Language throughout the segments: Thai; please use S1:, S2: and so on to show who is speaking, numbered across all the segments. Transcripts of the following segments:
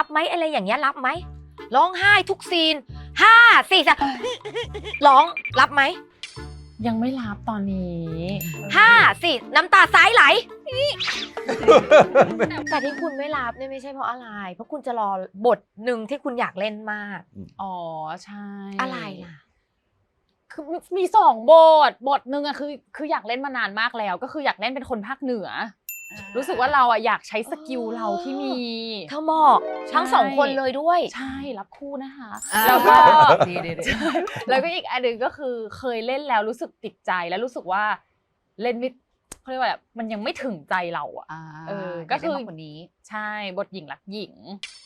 S1: ไหมอะไรอย่างเงี้ยรับไหมร้องไห้ทุกซีน5 4 3ร้องรับไหม
S2: ยังไม่รับตอนนี้
S1: 5 4น้ำตาซ้ายไหลแต่ที่คุณไม่รับเนี่ยไม่ใช่เพราะอะไรเพราะคุณจะรอบทหนึ่งที่คุณอยากเล่นมาก
S2: อ๋อใช่
S1: อะไรล่ะ
S2: คือมี2 บทหนึ่งอะคืออยากเล่นมานานมากแล้วก็คืออยากเล่นเป็นคนภาคเหนือรู้สึกว่าเราอะอยากใช้สกิลเราที่มี
S1: เธอเหมาะทั้ง2 คนเลยด้วย
S2: ใช่รับคู่นะคะแล้วก็แล้วก็อีกอันหนึ่งก็คือเคยเล่นแล้วรู้สึกติดใจแล้วรู้สึกว่าเล่นไม่เขาเรียกว่ามันยังไม่ถึงใจเราอะก็คือคนนี้ใช่บทหญิงรักหญิง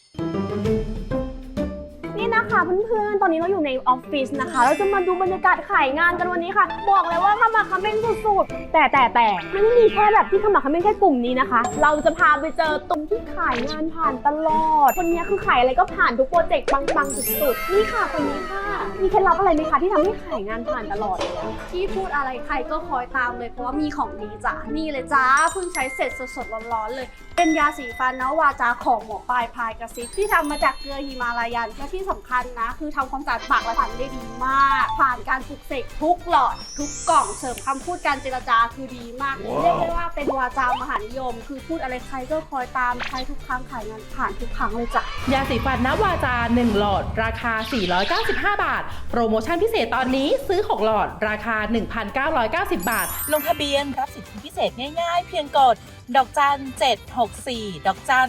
S3: นี่นะคะเพื่อนๆตอนนี้เราอยู่ในออฟฟิศนะคะเราจะมาดูบรรยากาศขายงานกันวันนี้ค่ะบอกเลยว่าขมักเขม้นสุดๆแต่มันไม่มีแค่แบบที่ขมักเขม้นแค่กลุ่มนี้นะคะเราจะพาไปเจอตรงที่ขายงานผ่านตลอดคนนี้คือขายอะไรก็ผ่านทุกโปรเจกต์ปังๆสุดๆนี่ค่ะคนนี้ค่ะมีเคล็ดลับอะไรไหมคะที่ทำให้ขายงานผ่านตลอดเลย
S4: ที่พูดอะไรใครก็คอยตามเลยเพราะว่ามีของดีจ้ะนี่เลยจ้าเพิ่งใช้เสร็จสดๆร้อนๆเลยเป็นยาสีฟันนะวาจาของหมอปลายพายกระซิบที่ทำมาจากเกลือฮิมาลายันและที่สำคัญนะคือทำความสะอาดปากและฟันได้ดีมากผ่านการปลุกเสกทุกหลอดทุกกล่องเสริมคำพูดการเจรจาคือดีมากเรียกได้ว่าเป็นวาจามหานิยมคือพูดอะไรใครก็คอยตามใช้ทุกครั้งขายงานผ่านทุกครั้งเลยจ้ะ
S5: ยาสีฟันนวาจา1 หลอดราคา495 บาทโปรโมชั่นพิเศษตอนนี้ซื้อ6 หลอดราคา 1,990 บาท
S6: ลงทะเบียนรับสิทธิพิเศษง่ายๆเพียงกดดอกจัน764ดอกจัน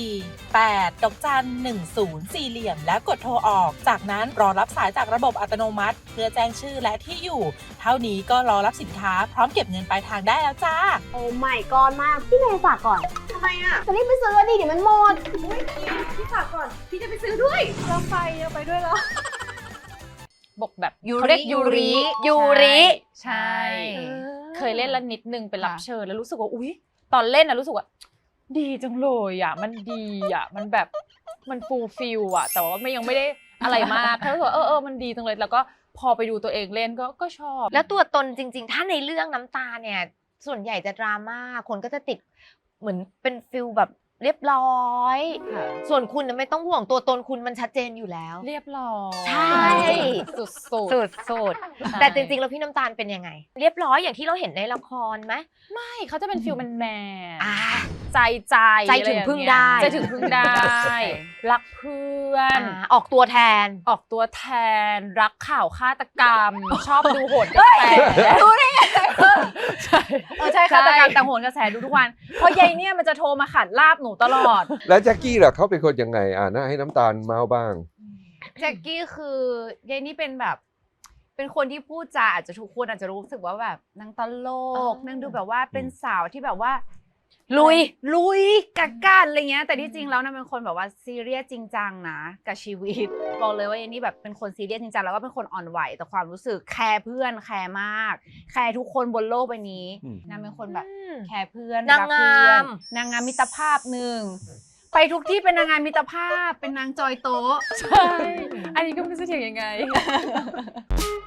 S6: 48ดอกจัน10 4เหลี่ยมแล้วกดโทรออกจากนั้นรอรับสายจากระบบอัตโนมัติเพื่อแจ้งชื่อและที่อยู่เท่านี้ก็รอรับสินค้าพร้อมเก็บเงินปลายทางได้แล้วจ้า
S3: โอ้ไม่ก่อนมากพี่เมย์ฝากก่อน
S4: ทำไมอ่ะ
S3: จะรีบไปซื้อดิเดี๋ยวมันหมด
S4: พี่ฝากก่อนพี่จะไปซื้อด้วยเราไปด้วยแล้ว
S2: บทแบบ
S1: เขาเรียกยูริ
S2: ใช่เคยเล่นแล้วนิดนึงเป็นรับเชิญแล้วรู้สึกว่าอุ๊ยตอนเล่นนะรู้สึกว่าดีจังเลยอ่ะมันดีอ่ะมันแบบมันฟูลฟิลอ่ะแต่ว่ายังไม่ได้อะไรมากแค่รู้สึกว่ามันดีจังเลยแล้วก็พอไปดูตัวเองเล่นก็ชอบ
S1: แล้วตัวตนจริงๆถ้าในเรื่องน้ำตาเนี่ยส่วนใหญ่จะดราม่าคนก็จะติดเหมือนเป็นฟิลแบบเรียบร้อยส่วนคุณน่ะไม่ต้องห่วงตัวตนคุณมันชัดเจนอยู่แล้ว
S2: เรียบร้อย
S1: ใช่สุดแต่จริงๆแล้วพี่น้ำตาลเป็นยังไงเรียบร้อยอย่างที่เราเห็นในละครไหม
S2: ไม่เขาจะเป็นฟิลแมนใจ
S1: ถึงพึ่งได้
S2: รักเพื่อน
S1: ออกตัวแทน
S2: รักข่าวฆาตกรรมชอบดูโหนกระแส
S1: รู้ได้ไง
S2: ใช่ฆาตกรรมแต่โหนกระแสดูทุกวันเพราะยายเนี่ยมันจะโทรมาขัดลาบหนูตลอด
S7: แล้วแจ็คกี้ล่ะเขาเป็นคนยังไงน่าให้น้ำตาลเมาบ้าง
S8: แจ็คกี้คือยายนี่เป็นแบบเป็นคนที่พูดจาอาจจะทุกคนอาจจะรู้สึกว่าแบบนางตลกนางดูแบบว่าเป็นสาวที่แบบว่าลุยกักกันอะไรเงี้ยแต่ที่จริงแล้วนางเป็นคนแบบว่าซีเรียสจริงจังนะกับชีวิตบอกเลยว่ายายนี่แบบเป็นคนซีเรียสจริงจังแล้วก็เป็นคนอ่อนไหวแต่ความรู้สึกแคร์เพื่อนแคร์มากแคร์ทุกคนบนโลกใบนี้นางเป็นคนแบบแคร์เพื่อน
S1: นางง
S8: ามมิตรภาพหนึ่งไปทุกที่เป็นนางงามมิตรภาพเป็นนางจอยโต๊ะ
S2: ใช่อันนี้ก็ไม่รู้จะเถียงยังไง